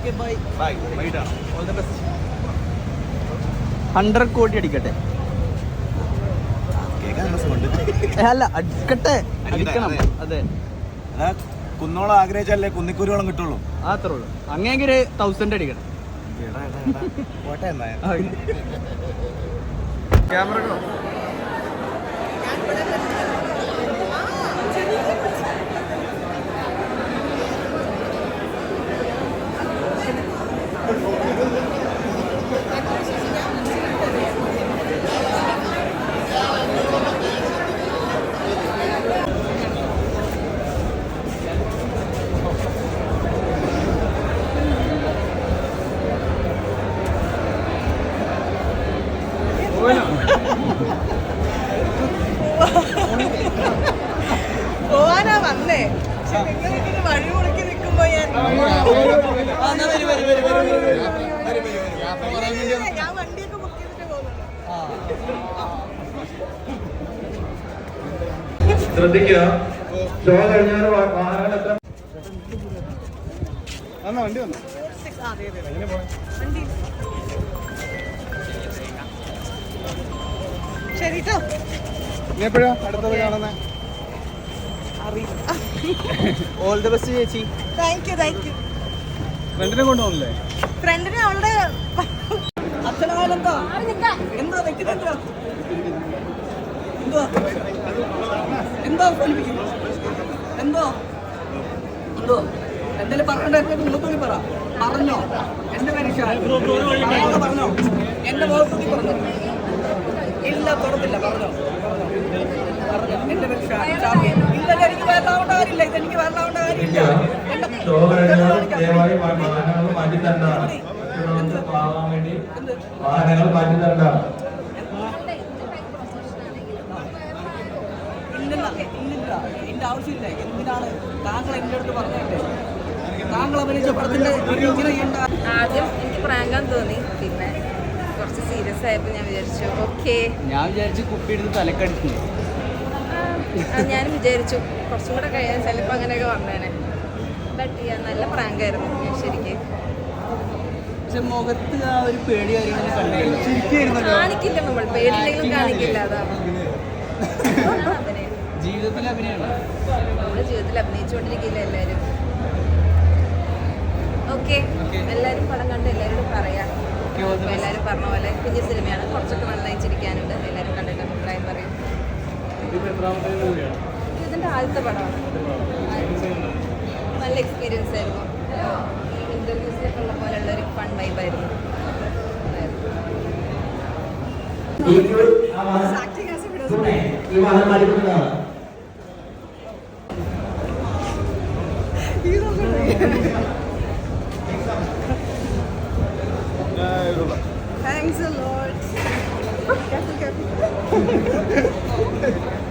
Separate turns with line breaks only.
100 കോടി അടിക്കട്ടെ. അല്ല അടിക്കട്ടെ, അടിക്കണം. അതെ,
കുന്നോളം ആഗ്രഹിച്ചല്ലേ കുന്നിക്കൂരോളം കിട്ടുള്ളൂ.
അത്രേ ഉള്ളൂ. അങ്ങനെയെങ്കിൽ 1000 അടിക്കണം.
ക്യാമറ
പോവാനാ വന്നേ. നിങ്ങളിങ്ങനെ വഴി മുടക്കി നിൽക്കുമ്പോ ഞാൻ വണ്ടിയൊക്കെ ബുക്ക് ചെയ്തിട്ട് പോകുന്നുണ്ട്.
ശ്രദ്ധിക്കുക, ഷോ കഴിഞ്ഞാൽ വാഹനങ്ങൾ എത്ര
വണ്ടി വന്നു.
വണ്ടി ശരി കേട്ടോ.
എപ്പോഴാ അടുത്തത് കാണുന്നത്? ഓൾ ദി ബെസ്റ്റ് ചേച്ചി.
Thank you.
ഫ്രണ്ടിനെ കൊണ്ടുപോകണല്ലേ?
ഫ്രണ്ടിനെ അവളുടെ അച്ഛനായാലെന്തോ എന്തോ വെക്കുന്നുണ്ടോ എന്തോ എന്തോ എന്തോ എന്തോ എന്തായാലും പറഞ്ഞിട്ട് മുഖത്തൂടി പറഞ്ഞോ. എന്റെ പേര് പറഞ്ഞോ. എന്റെ മുഖത്തൂടി പറഞ്ഞു. ഇല്ല തുറന്നില്ല. പറഞ്ഞോ. എന്റെ പേര് ഷാഫി. ഇല്ല, എനിക്ക് വരലാവേണ്ട കാര്യമില്ല. ഇതെനിക്ക് വരലാവേണ്ട കാര്യമില്ല.
ഷോ കഴിഞ്ഞാൽ ദയവായി വാഹനങ്ങൾ മാറ്റി തരേണ്ടതാണ്. വാഹനങ്ങൾ മാറ്റി തരേണ്ടതാണ്.
ഇല്ലില്ല, എന്റെ ആവശ്യമില്ല. എന്തിനാണ് താങ്കൾ എന്റെ അടുത്ത് പറഞ്ഞില്ലേ? താങ്കൾ അഭിനയിച്ച പടത്തിന്റെ
ആദ്യം എനിക്ക് പ്രാങ്കാൻ തോന്നി, പിന്നെ കുറച്ച് സീരിയസ് ആയപ്പോൾ ഞാൻ വിചാരിച്ചു
ഞാൻ വിചാരിച്ചു കുപ്പി എടുത്ത് തലക്കടിച്ചു.
ഞാനും വിചാരിച്ചു കുറച്ചും കൂടെ കഴിയാൻ ചിലപ്പോൾ അങ്ങനെയൊക്കെ വന്നേനെ. ബട്ട് നല്ല പ്രാങ്കായിരുന്നു ശരിക്കും.
പക്ഷെ മുഖത്ത് ആ ഒരു പേടി
കാണിക്കില്ല, നമ്മൾ പേടിയില്ലെങ്കിലും കാണിക്കില്ല. അതാണ്
ജീവിതത്തിൽ അഭിനയമാണ്.
നമ്മുടെ ജീവിതത്തിൽ അഭിനയിച്ചുകൊണ്ടിരിക്കില്ല എല്ലാവരും. ഓക്കെ, എല്ലാവരും പടം കണ്ട് എല്ലാവരോടും പറയാം. എല്ലാവരും പറഞ്ഞ പോലെ കുഞ്ഞു സിനിമയാണ്, കുറച്ചൊക്കെ നന്നായി ചിരിക്കാനുണ്ട്. എല്ലാവരും കണ്ടിട്ട് അഭിപ്രായം പറയും. ഇതിൻ്റെ ആദ്യത്തെ പടമാണ്. നല്ല എക്സ്പീരിയൻസ് ആയിരുന്നു. ഈ ഇൻ്റർവ്യൂസിലൊക്കെ ഉള്ള പോലെയുള്ളൊരു ഫൺ വൈബായിരുന്നു.
Thanks a lot. Careful.